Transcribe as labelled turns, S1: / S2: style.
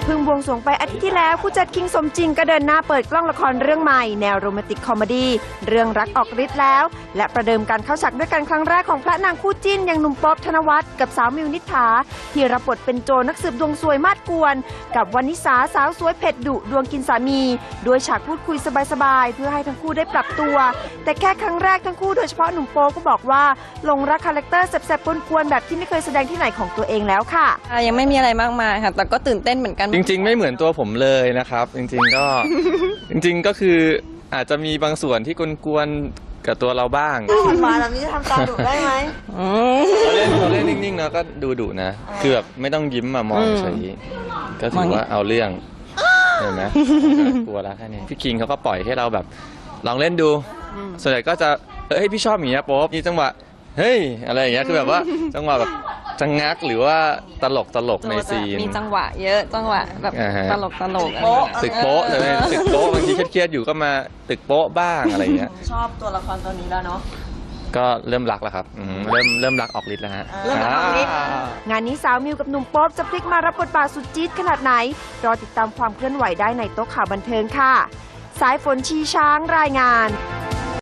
S1: เพิ่งบวงสรวงไปอาทิตย์ที่แล้วผู้จัดคิงสมจริงก็เดินหน้าเปิดกล้องละครเรื่องใหม่แนวโรแมนติกคอมเมดี้เรื่องรักออกฤทธิ์แล้วและประเดิมการเข้าฉากด้วยกันครั้งแรกของพระนางคู่จิ้นอย่างหนุ่มป๊อบธนวัฒน์กับสาวมิวนิษฐาที่รับบทเป็นโจนักสืบดวงซวยมาดกวนกับวรรณิสาสาวสวยเผ็ดดุดวงกินสามีโดยฉากพูดคุยสบายๆเพื่อให้ทั้งคู่ได้ปรับตัวแต่แค่ครั้งแรกทั้งคู่โดยเฉพาะหนุ่มโป๊ก็บอกว่าหลงรักคาแรคเตอร์แสบๆกวนๆแบบที่ไม่เคยแสดงที่ไหนของตัวเองแล้วค่ะ
S2: ยังไม่มีอะไรมากมายค่ะแต่ก็ตื่นเต้นเหมือนกัน
S3: จริงๆไม่เหมือนตัวผมเลยนะครับจริงๆก็ จริงๆก็คืออาจจะมีบางส่วนที่กวนๆกับตัวเราบ้าง
S1: หวานแบบนี้จะทำตาดุได้ไหม
S3: เราเล่นนิ่งๆนะก็ดูดุนะคือแบบไม่ต้องยิ้มมามองเฉยก็ถือว่าเอาเรื่องเห็นไหมกลัวแล้วแค่นี้พี่คิงเขาก็ปล่อยให้เราแบบลองเล่นดูส่วนใหญ่ก็จะเฮ้ยพี่ชอบอย่างเงี้ยโป๊บมีจังหวะเฮ้ยอะไรอย่างเงี้ยคือแบบว่าจังหวะแบบจังงักหรือว่าตลกในซีน
S2: มีจังหวะเยอะจังหวะแบบตลก
S3: ตึกโป๊ะเลยตึกโป๊ะบางทีเครียดๆอยู่ก็มาตึกโป๊ะบ้างอะไรอย่างเงี้ย
S1: ชอบตัวละครตัวนี้แล้วเนาะ
S3: ก็เริ่มรักแล้วครับเริ่มรักออกฤทธิ์แล้วฮะ
S1: เริ่มรักออกฤทธิ์งานนี้สาวมิวกับหนุ่มโป๊ปจะพลิกมารับบทบาทสุดจี๊ดขนาดไหนรอติดตามความเคลื่อนไหวได้ในโต๊ะข่าวบันเทิงค่ะสายฝนชีช้างรายงาน